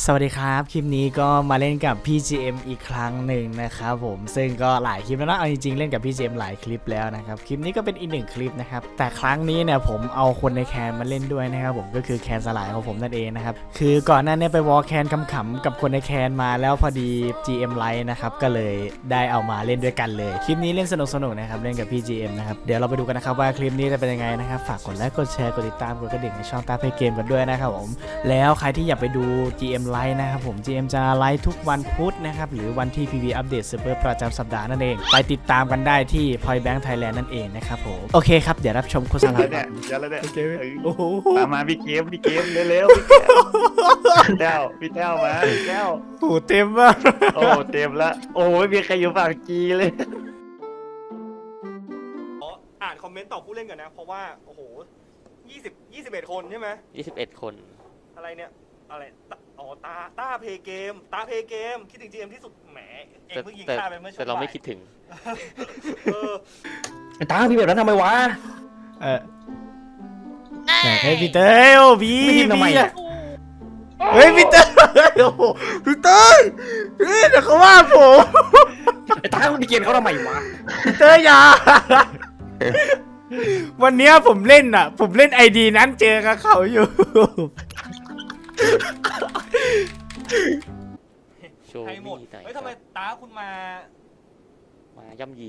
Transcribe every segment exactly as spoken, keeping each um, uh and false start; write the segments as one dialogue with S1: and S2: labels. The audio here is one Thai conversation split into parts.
S1: สวัสดีครับคลิปนี้ก็มาเล่นกับพี่ จี เอ็ม อีกครั้งหนึ่งนะครับผมซึ่งก็หลายคลิปแล้วนะเอาจริงๆเล่นกับพี่ จี เอ็ม หลายคลิปแล้วนะครับคลิปนี้ก็เป็นอีกหนึ่งคลิปนะครับแต่ครั้งนี้เนี่ยผมเอาคนในแคนมาเล่นด้วยนะครับผมก็คือแคนสลายของผมนั่นเองนะครับคือก่อนหน้านี้ไปวอลแคนขำๆกับคนในแคนมาแล้วพอดี จี เอ็ม ไลท์นะครับก็เลยได้เอามาเล่นด้วยกันเลยคลิปนี้เล่นสนุกๆนะครับเล่นกับพี่ จี เอ็ม นะครับเดี๋ยวเราไปดูกันนะครับว่าคลิปนี้จะเป็นยังไงนะครับฝากกดไลค์กดแชร์กดติดตามกดกระดิ่งในช่องตาเพย์เกมกันด้วยนะครับผมแล้วใครที่อยากไปดู จี เอ็ม ไลท์นะครับผม จี เอ็ม จะไลฟ์ทุกวันพุธนะครับหรือวันที่ พี วี อัปเดตเซิร์ฟเวอร์ประจำสัปดาห์นั่นเองไปติดตามกันได้ที่ Point Bank Thailand นั่นเองนะครับผมโอเคครับเดี๋ยวรับชมโฆษณา
S2: แล้วเนี่ยเดี๋ยวแล้วเนี่ย
S1: โอเค
S2: โอ้
S1: โอ้โห
S2: ตามมาพี่เกมพี่เกมเร็วๆพี่แก้วพี่แก้วมาพี่แก้ว
S1: โหเต็มมาก
S2: โอ้เต็มละโอ้ไม่มีใครอยู่ฝั่งจีเลย
S3: ขออ่านคอมเมนต์ต่อผู้เล่นก่อนนะ เพราะว่า โอ้โหยี่สิบ ยี่สิบเอ็ดคนใช่ไหม
S4: ยี่สิบเอ็ดคน
S3: อะไรเนี่ย อะไรตอ๋อ ตา ตาเพย์เกม ตาเพย์เกม คิดถึง จี เอ็ม ที่สุด แหม เอง
S4: แต่
S3: เพิ่งยิง
S4: แต่
S3: ฆ่าไปเมื่อช่วง
S4: แต่เราไม่
S3: บ่ย
S4: คิดถึง
S3: เออ
S5: ตาพี่แบบนั้นทำไมวะ
S1: เออเฮ้ยพี่เต้ยโอ้พี่
S5: ไม่พิมพ์ทำไม
S1: พี่
S5: อะ
S1: เฮ้ยพี่เต้ยโอ้โหพี่เต้ยเฮ้ยเดี๋ยวเขาว่าผม
S5: ไอ้ตาคุณเกลียดเขาทำไมวะ
S1: พี่เต้ยอย่าวันเนี้ยผมเล่นอ่ะ ผมเล่นไอดีนั้นเจอกับเขาอยู่
S4: โชว์
S3: ใครหมด
S4: มีไหน
S3: เฮ้ยทำไมตาคุณมา
S4: มาย่ำยี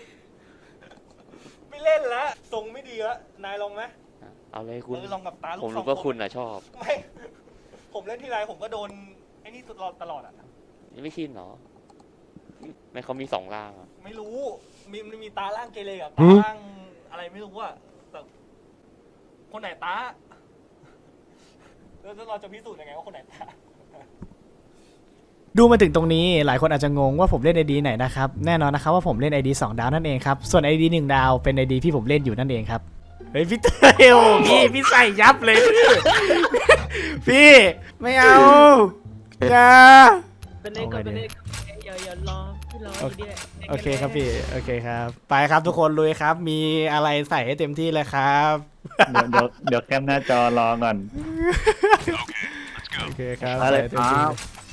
S3: ไม่เล่นแล้วทรงไม่ดีแล้วนายลองไหม
S4: เอาเลยคุณ
S3: เออลองกับตาลูก
S4: ผม
S3: สอ
S4: รู้
S3: ง
S4: ว่า
S3: ค
S4: คุ
S3: น
S4: ณอ่ะชอบ
S3: ไม่ ผมเล่นที่ไรผมก็โดนไอ้นี่ตลอดตลอดอ่ะ
S4: นี่ไม่ชินเหรอไม่เขามีสองร่างอ่ะ
S3: ไม่รู้ มีมันมีตาล่างเกเรกับ
S1: หื
S3: ตา
S1: อ
S3: ล่างอะไรไม่รู้อะแต่คนไหนตาแล้วเราจะพิสูจน์ยังไงว่าคนไหนตา
S1: ดูมาถึงตรงนี้หลายคนอาจจะงงว่าผมเล่นไอดีไหนนะครับแน่นอนนะครับว่าผมเล่นไอดีสองดาวนั่นเองครับส่วนไอดีหนึ่งดาวเป็นไอดีที่ผมเล่นอยู่นั่นเองครับเฮ้ยพี่เตยโอ้พี่พี่ใส่ยับเลยพี่พี่ไม่เอาอย่า
S6: เป็นเล่นก่อนเป็นเล่นก่อนอย่าอย่ารอพี่รออยู่ดีแหละ
S1: โอเคครับพี่โอเคครับไปครับทุกคนลุยครับมีอะไรใส่ให้เต็มที่เลยครับ
S2: เดี๋ยวเดี๋ยวเดี๋ยวแคปหน้าจอรอก่อน
S1: โอเคครับ
S2: อะไร
S1: ใส่ให้เต็มที่
S2: ครับ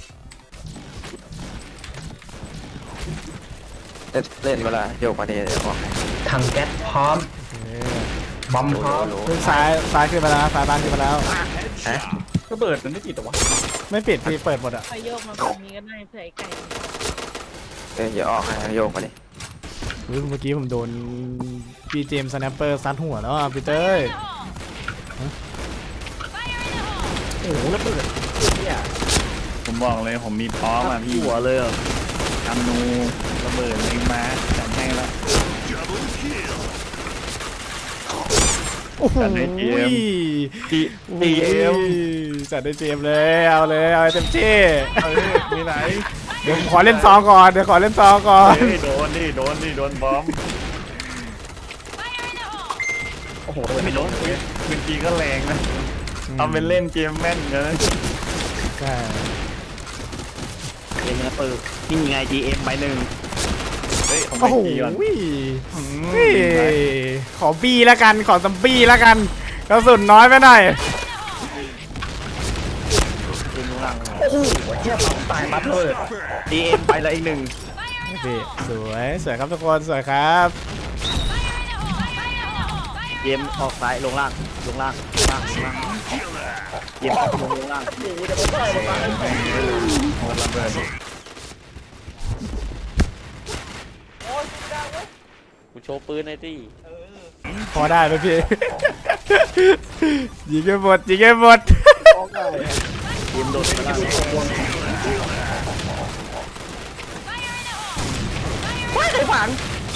S5: เล่นเล่นเวลาโยกมาเนี่ยเดี๋ยวบอก
S7: ถังแก๊สพร้อม
S1: เออบ
S7: อมพร้อม
S1: ขึ้นซ้ายซ้ายขึ้นมาแล้วซ้ายบ้านขึ้นมาแล้ว
S5: ฮะ
S2: ก็เปิดมันไม่ติดหรอวะ
S1: ไม่ปิดพี่เปิดหมดอ่ะ
S6: ไปโยกมาแบบนี้ก็ได้เผื่อไอ้ไก่
S5: เอ้ยอย่าออกนะโยกมาดิ
S1: อุ๊ยเมื่อกี้ผมโดนพี่เจมส์สแนปเปอร์ซัดหัวแล้วอ่ะพี่เต้ย
S5: โอ้โหแล้วเปิดเนี่ย
S2: ผมบอกเลยผมมีพร้อมอ่ะพี่หัวเลยทำนูระเบิดเล็งมาจัดให้แล้ว
S1: โอ้โห
S2: จัดให้เจมส์ จีจีเอ็ม
S1: จัดได้เจมส์เลยเอาเลยเอาให้เต็มที่
S2: เออมีไหน
S1: เดี๋ยวผมขอเล่นซองก่อนเดี๋ยวขอเล่นซองก่อน
S2: เฮ้ยโดนดิโดนดิโดนบอม
S5: โอ้โห
S2: ไม่โดนปืนจีก็แรงนะทำเป็นเล่นเกมแม่นนะ
S1: ใช่
S5: เล่นนะเปิดนี่ไง จี เอ็ม ใบหนึ่ง
S2: เฮ้ยผมไป
S1: โอ้โห
S2: จีก่อน
S1: เฮ้ยขอบี้แล้วกันขอซัมบี้แล้วกันกระสุนน้อยไปหน่อย
S5: เล่นล่างโอ้โหเทียบเราตายปั๊บเลย จี เอ็ม ไปละอีกหนึ่ง
S1: พี่สวยสวยครับทุกคนสวยครับ
S5: จี เอ็ม ออกซ้ายลงล่างลงล่างลงล่างลงล่างจี เอ็ม ลงลงล่าง
S2: ระเบิด
S3: โอ้ยไม่ได้เว้ย
S4: คุณโชว์ปืนหน่อยสิ
S3: เออ
S1: พอได้ไหมพี่ ยิงให้หมดยิงให้หมด
S5: จี เอ็ม โดดไปล่างว้ายใครฝัง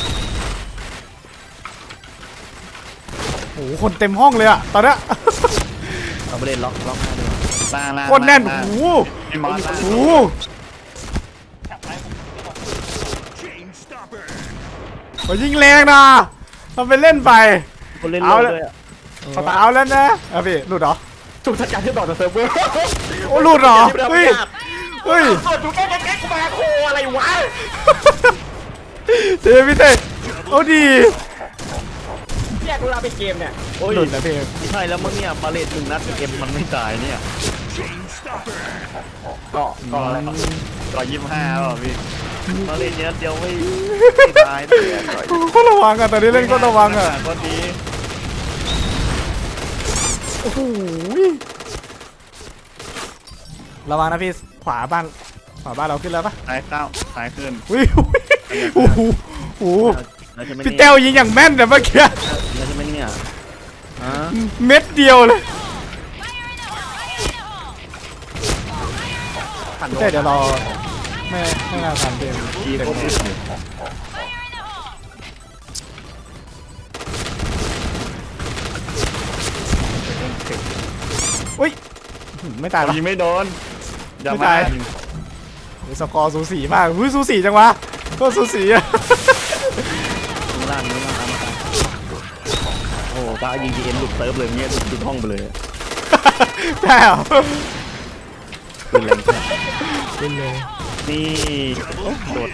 S1: โอ้โหคนเต็มห้องเลยอะตอนเนี้ย
S5: เอาไปเล่นล็อกล็อกหน้าด้วย
S2: ล่างล่าง
S1: คนแน่น
S2: ล่าง
S1: โอ้โห
S2: พี่มอสล่าง
S1: โอ้โห
S3: จับไปผมไม่บอก
S1: โอ้ยยิงแรงนะทำเป็นเล่นไป
S5: คนเล่น
S1: เอา
S5: เร็ว
S1: เลย
S5: ด้วยอะ
S1: เขาตาเอาแล้วนะเอาพี่หลุดเหรอ
S5: ถูกทัดการที่ต่อจากเซิร์ฟเวอร์
S1: โอ้หลุดเหรอเฮ้ยเฮ้ย
S5: สดถูกแก้แก้แก้กูมาโคอะไรวะ
S1: เจพี่เต้โอ้ดี
S5: แยกเวลาไปเกมเนี่ย
S2: โอ้ย
S1: หลุดนะพี่
S2: ไม่ใช่แล้วมึงเนี่ยบาเลตหนึ่งนัดเอ็มมันไม่ตายเนี่ย
S5: เกาะเกาะอะไร
S2: ก่อยี่สิบห้าเปล่าพี่มาเล่นเยอะเดียวไม่ไม่ตายเลยอะก่อ
S1: ก็ระวังอ่ะตอนนี้เล่นก็ระวังอ่ะ
S2: ก็ดี
S1: โอ้โหระวังนะพี่ขวาบ้านขวาบ้านเราขึ้นแล้วปะ
S2: ซ้ายเข้าซ้ายขึ้น
S1: อุ้ยโอ้โหโอ้โห
S5: แล้วใช่ไหม
S1: พี่
S5: เนี่ย
S1: เต้วยิงอย่างแม่นแต่เมื่อกี้
S5: แล้วใช่ไหมเนี่ยฮะ
S1: เม็ดเดียวเลยพี่เต้เดี๋ยวรอไม่ไม่น่าทันเต็ม
S2: ทีโคตรอึดเลย
S1: อุ้ยไม่ตายปะ
S2: ยิงไม่โดนอย่า
S1: ไม่
S2: มา
S1: ตาย โอ้ยสกอร์สูสีมากอุ้ยสูสีจังวะก็สูสีอะ
S5: ข้างล่างนี้มามาโอ้ตายิงดีเอ็นหลุดเซิร์ฟเลยเงี้ยหลุดห้องไปเลย
S1: ใช่เหรอ
S5: เป็นแรงแค่
S1: เป็นเลย
S5: นี่โดด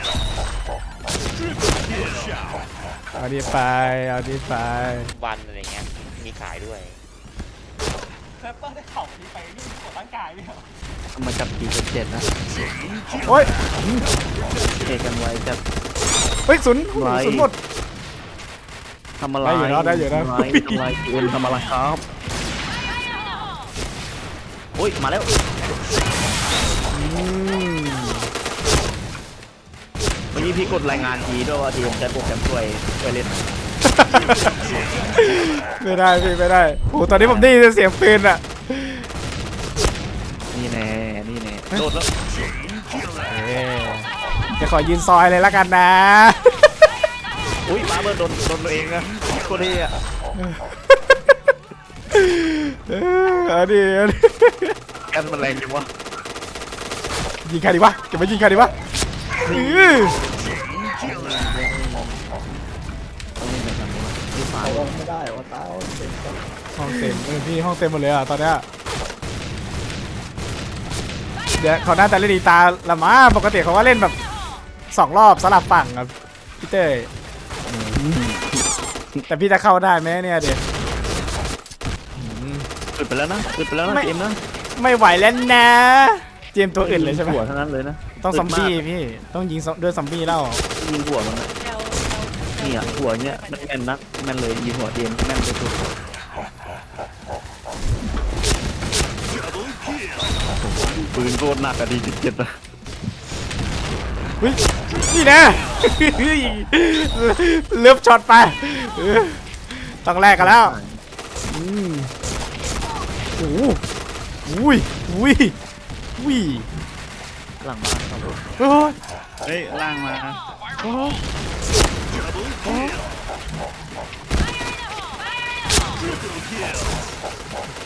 S1: เอาดีไปเอาดีไป
S4: วันอะไรเงี้ยมีขายด้วย
S3: แรปเปอร์ได้เข่านี้ไปนี่ปวดร่างกายไหมครับ
S5: เอามาจับปีเจ็ดนะ
S1: โอ้ย
S5: เทกันไว้จับ
S1: เฮ้ยศูนย์
S5: ไว้
S1: ศูนย์หมด
S5: ทำอะไร
S1: ได้อยู่นะได้อยู่นะ
S5: ทำอะไรทำอะไรเอ็นทำอะไรครับโอ้ยมาแล้ว
S1: อืม
S5: เมื่อกี้พี่กดรายงานทีด้วยว่าทีผมใช้โปรแกรมช่วยช่วยเล่น
S1: ไม่ได้พี่ไม่ได้โอ้ตอนนี้ผมได้ยินเสียงปืนอะ
S5: นี่แน่นี่แน่โดดแล้ว
S1: เอ๊ะจะขอยืนซอยเลยละกันนะ
S5: อุ้ยมาเบิร์ดโดนโดนตัวเองนะโคตรเท่อะ
S1: เออเอาดิเอาดิ
S5: แอนมันแรงจังวะ
S1: ยิงใครดีวะจะไปยิงใครดีวะอื้อ
S5: ต้องเล่นแบบนี้วะพี่ฟ้าไม่ได้วะตา
S1: ห้องเต็มเออพี่ห้องเต็มหมดเลยอ่ะตอนเนี้ยเดี๋ยวเขาน่าจะเล่นอีตาละมาปกติเขาว่าเล่นแบบสองรอบสลับฝั่งครับพี่เต้ยแต่พี่จะเข้าได้ไหมเนี่ยเดี๋ยว
S5: อึดไปแล้วนะอึดไปแล้วนะ
S1: ไม่
S5: เกมนะ
S1: ไม่ไหวแล้วนะเจมส์ตัวอื่นเลยใช่ไหม
S5: หัวทั้งนั้นเลยนะ
S1: ต้องซอมบี้
S5: ดาก
S1: พี่ต้องยิงซอมด้วยซอมบี้แล้ว
S5: ยิงหัวมันนะเนี่ยหัวเนี้ยมันแม่นนักแม่นเลยยิงหัวเกมแม่นที่สุดปืนโคตรหนักอะดีเจ็ดอะ
S1: เฮ้ยนี่นะ เลือบช็อตไปเออต้องแลกกันแล้วอืมโอ้โหอุ้ยอุ้ยอุ้ย
S5: หลังบ้านครับ
S1: โอ้ย
S2: เฮ้ยล่างมา
S1: โอ้ยโอ้ยโอเค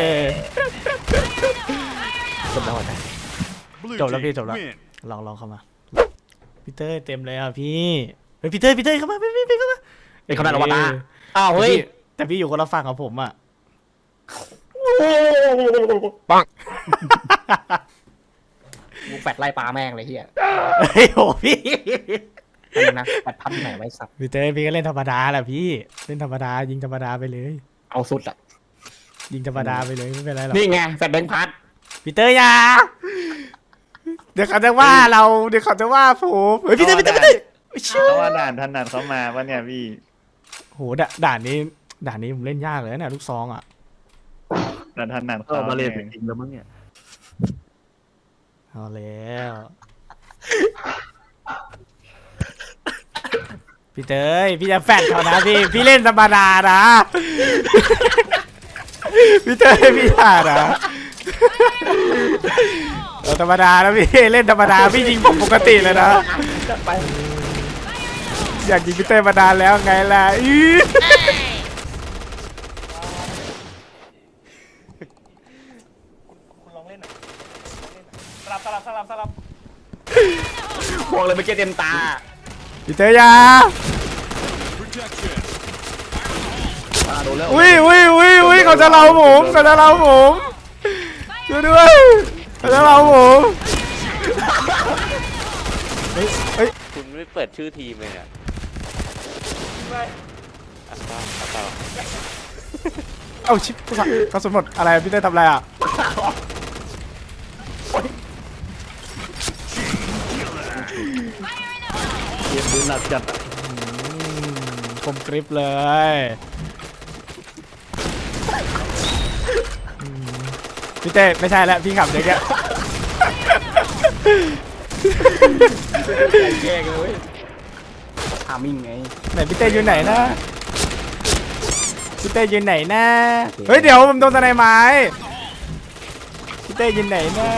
S1: จบแล้วเหรอจบแล้วพี่จบแล้วลองลองเข้ามาพี่เต้ยเต็มเลยอ่ะพี่เฮ้ยพี่เต้ยพี่เต้ยเข้ามาพี่พี่พี่เข้ามา
S5: เป็นคำนายอวตารอ้าวเฮ้ย
S1: แต่พี่อยู่คนละฝั่งกับผมอ่ะ
S5: ปัง
S7: กูแฟดไล่ปลาแม่งเลยเฮีย
S1: เฮ้ยโหพี่
S7: อันนี้นะแฟดพันไหนไว้สับ
S1: พี่เต้ยพี่ก็เล่นธรรมดาแหละพี่เล่นธรรมดายิงธรรมดาไปเลย
S7: เอาสุดอ่ะ
S1: ยิงธรรมดาไปเลยไม่เป็นไรหรอก
S7: นี่ไงแฟดแบงค์พัด
S1: พี่เต้ยอยาเดี๋ยวเขาจะว่าเราเดี๋ยวเขาจะว่าผมเฮ้ยพี่เต้ยพี่เต้ยพี่เต้ยชิว
S2: เพราะว่าด่านถนัดเขามาปะเนี่ยพี่
S1: โหด่าด่านนี้ด่านนี้ผมเล่นยากเลยนะเนี่ยลูกซองอ่ะ
S2: ด่านถนัด
S5: ก็
S2: เขา
S5: มาเล่น
S2: ไง
S5: จริงแล้วมั้งเนี่ย
S1: เอาแล้วพี่เต้ยพี่จะแฟดเขานะพี่พี่เล่นธรรมดานะพี่เต้ยพี่ด่านะเราธรรมดานะพี่เล่นธรรมดาพี่ยิงผมปกติเลยนะ
S7: ไป
S1: อยากยิงพี่เต้ยมานานแล้วไงล่ะอี๋
S3: คุณลองเล่นหน่อยลองเล่นหน่อยสลับสลับสลับสลับ
S7: พวงเลยเมื่อกี้เต็มตา
S1: พี่เต้ยอยา
S5: มาโดนแล้ว
S1: อุ้ยอุ้ยอุ้ยอุ้ยเขาจะเราผมเขาจะเราผมช่วยด้วยเขาจะเราผมเฮ้ยเฮ้ย
S4: คุณไม่เปิดชื่อทีมเลยเนี่ย
S3: ไป
S4: อ่ะต่ออ่ะต่อ
S1: เอาชิปกระสุนหมดอะไรพี่เต้ยทำอะไรอ่ะ
S5: เกมดูหนักจัด
S1: อืมคมกริบเลยอืมพี่เต้ไม่ใช่แล้วพี่ขับเด็กอะ
S7: แย่กันเลยทามิ่งไง
S1: ไหนพี่เต้อยู่ไหนนะพี่เต้อยู่ไหนนะเฮ้ยเดี๋ยวผมโดนตะไนไม้พี่เต้อยู่ไหนนะ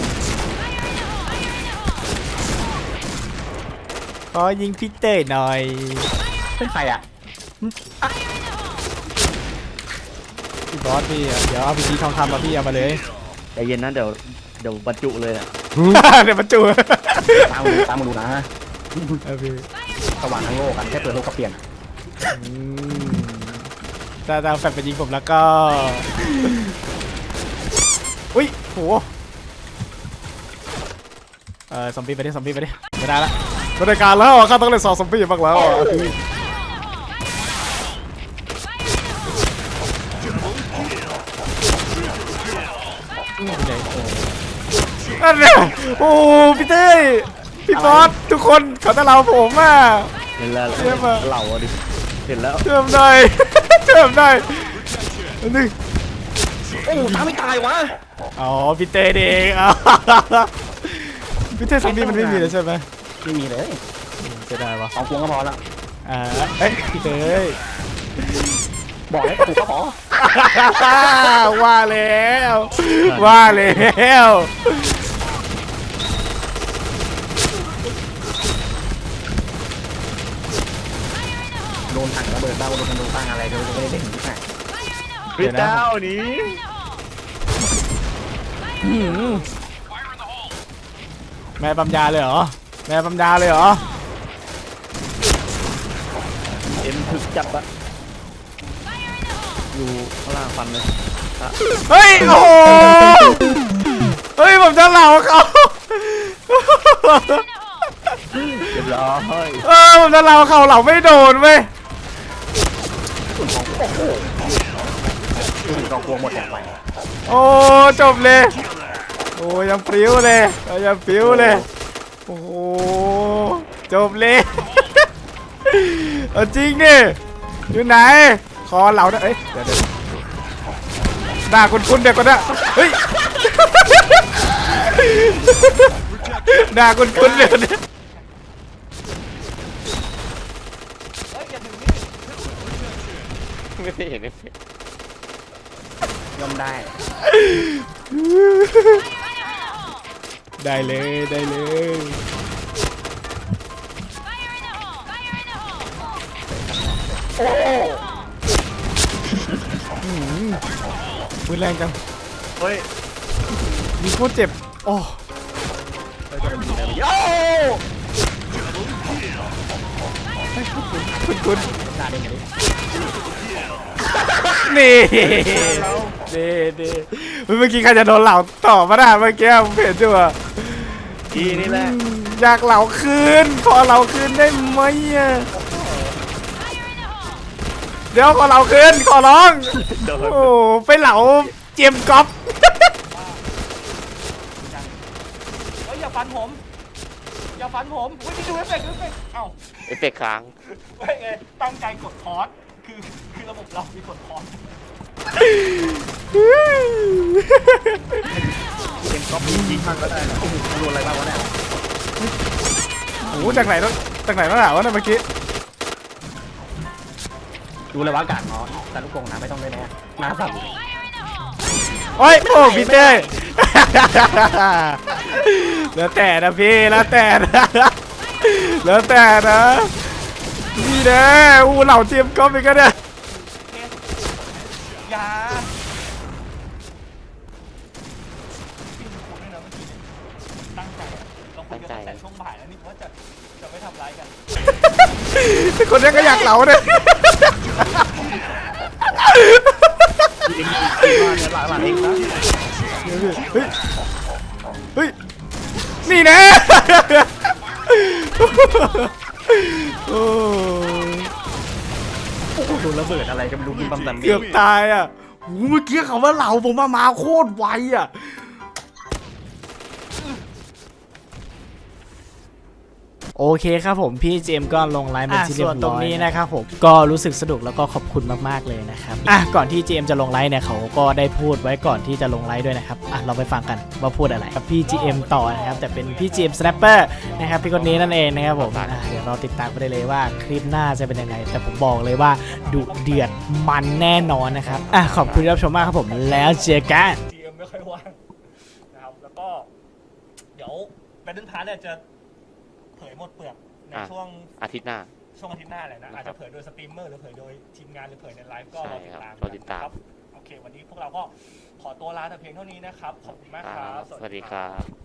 S1: ขอยิงพี่เต้หน่อย
S7: เป็นใครอ่ะ
S1: พี่บอสพี่อะเดี๋ยวเอาพี่ทีทองคำมาพี่เอามาเลย
S5: ใจเย็นนะเดี๋ยวเดี๋ยวบรรจุเลยอ่ะ
S1: เดี๋ยวมาจู
S7: ตามมาดูตามมาดูนะ
S1: เออพี่
S7: สว่างทั้งโลกกันแค่เปิดโลกก็เปลี่ยน
S1: อืมถ้าถ้าแฟนไปยิงผมแล้วก็ อุ้ยโหเออซอมบี้ไปดิซอมบี้ไปดิไม่ได้ละไม่ได้การแล้วอ่ะข้าต้องเล่นซอซอมบี้บ้างแล้วอ่ะอันเนี้ยโอ้พี่เต้พี่บอสทุกคนเขาจะเราผมอ่ะ
S5: เห็นแล้ว
S1: เยี่ยมอะ
S5: เหล่าอะดิเห็นแล้ว
S1: เชื่อมได้ เชื่อมได้อันนึง
S7: โอ้ตาไม่ตายวะ
S1: อ๋อพี่เต้เองอ๋อพี่เต้ซอมบี้มันไม่มีเลยใช่ไหม
S7: ไม่มีเลย
S1: จะได้ปะ
S7: สองพวงก็พอละ
S1: อ่าเอ้ยพี่เต้
S7: บอกให้ถูกก็พอ
S1: ว่าแล้วว่าแล้ว
S7: โดนถังระเบิดบ้างโดนธนูบ้างอะไรโดนไม่ได้เด็กที่ไหน
S5: พี่เจ้านี้
S1: อื้อหือแม่ปั๊มยาเลยเหรอแม่ปั๊มยาเลยเหรอ
S5: เอ็มถึกจับอะอยู่ข้างล่างฟันเลย
S1: เฮ้ยโอ้โหเฮ้ยผมจะเหล่าเขา
S5: เรียบร้อย
S1: เออผมจะเหล่าเขาเหล่าไม่โดนเว้ย
S7: ถึงกองพวงหมดแรงไป
S1: โอ้จบเลยโอ้ยังปลิ้วเลยยังปลิ้วเลยโอ้โหจบเลย เอาจริงดิอยู่ไหนคอเหล่านะเอ้ยเดี๋ยวเดี๋ยวหน้าคุ้นๆเด็กคนน่ะเฮ้ย หน้าคุ้นๆเลยคนเนี้ย
S3: เฮ้ยอย่าถึงนี่
S4: ไม่ได้เห็นเอฟเฟกต์
S7: ย่อมได้
S1: ได้เลยได้เลยอืมมือแรงจัง
S5: เฮ้ย
S1: มีโคตรเจ็บโอ้คุณคุณ
S7: หน้าเด้งกันดิ
S1: นี่นี่นี่เมื่อกี้ใครจะโดนเหล่าต่อมาได้เมื่อกี้ผมเห็นจั่ะ
S5: ทีนี่แหละ
S1: อยากเหล่าคืนขอเหล่าคืนได้ไหมอะเดี๋ยวขอเหล่าคืนขอร้อง
S5: โดน
S1: โอ้ไปเหล่าเจมส์ก๊อฟ
S3: เฮ้ยอย่าฟันผม อย่าฟันผมอุ้ยนี่ดูเอฟเฟกต์ดูเอฟเฟกต์เอ้า
S4: เอฟเฟกต์ค้าง
S3: เฮ้ยไงตั้งใจกดคอร์สคือคือระบบเรามีกดคอร์ส
S5: เอ็มก๊อปยิงมันก็ได้นะ
S7: โอ้โหโดนอะไรบ้างวะเนี่ย
S1: โอ้จากไหนต้องจากไหนต้องหนาวะเนี่ยเมื่อกี้
S7: ดูเลยว่าอากาศเนาะแต่ลูกกงนะไม่ต้องเลยนะหน้าสั่น
S1: โอ้ยโอ้พี่เต้ แล้วแต่นะพี่แล้วแต่นะแล้วแต่นะนี่แน่อู้เหล่าเจมส์ก๊อฟอีกแล้วเนี่ย
S3: อย่าพี่คุณด้วยนะเมื่อกี้เนี่ยตั้งใจอะเราคุยกันตั้งแต่ช่วงบ่ายแล้วนี่ว่าจะจะไม่ทำร้ายกัน
S1: คนนี้ก็อยากเหล่าเนี่ย
S5: ยิงยิงมาเนี่ยหลังหลังเองนะ
S1: เฮ้ยเฮ้ยนี่แน่ โอ้
S7: โอ้โหโดนระเบิดอะไรก็ไม่รู้บินปั๊มตัน
S1: เกือบตายอ่ะโหเมื่อกี้เขาว่าเหล่าผมมามาโคตรไวอ่ะโอเคครับผมพี่เจมส์ก็ลงไลฟ์เป็นที่เรียบร้อยส่วนตรงนี้นะครับผมก็รู้สึกสนุกแล้วก็ขอบคุณมากๆเลยนะครับอ่ะก่อนที่เจมส์จะลงไลฟ์เนี่ยเขาก็ได้พูดไว้ก่อนที่จะลงไลฟ์ด้วยนะครับอ่ะเราไปฟังกันว่าพูดอะไรกับพี่ จี เอ็ม ต่อนะครับแต่เป็นพี่ จี เอ็ม Snapper นะครับพี่คนนี้นั่นเองนะครับผมอ่ะเดี๋ยวเราติดตามไปได้เลยว่าคลิปหน้าจะเป็นยังไงแต่ผมบอกเลยว่าดุเดือดมันแน่นอนนะครับอ่ะขอบคุณที่รับชมมากครับผมแล้วเจอกัน
S3: จีเอ็มไม่ค่อยว่างนะครับแล้วก็เดี๋ยวแบนเดิลพาร์ทเนี่ยจะเผยหมดเปลือกใน
S4: อ่ะ
S3: ช่วง
S4: อาทิตย์หน้า
S3: ช่วงอาทิตย์หน้าเลยนะ
S4: นะครับ
S3: อาจจะเผยโดยสตรีมเมอร์หรือเผยโดยทีมงานหรือเผยในไลฟ์ก็
S4: ใช่
S3: รอติด
S4: ครับ
S3: ตาม
S4: รอติดตาม
S3: นะครับโอเค วันนี้พวกเราก็ขอตัวลาแต่เพียงเท่านี้นะครับ ขอบคุณมากครับ
S4: สวัสดีครับ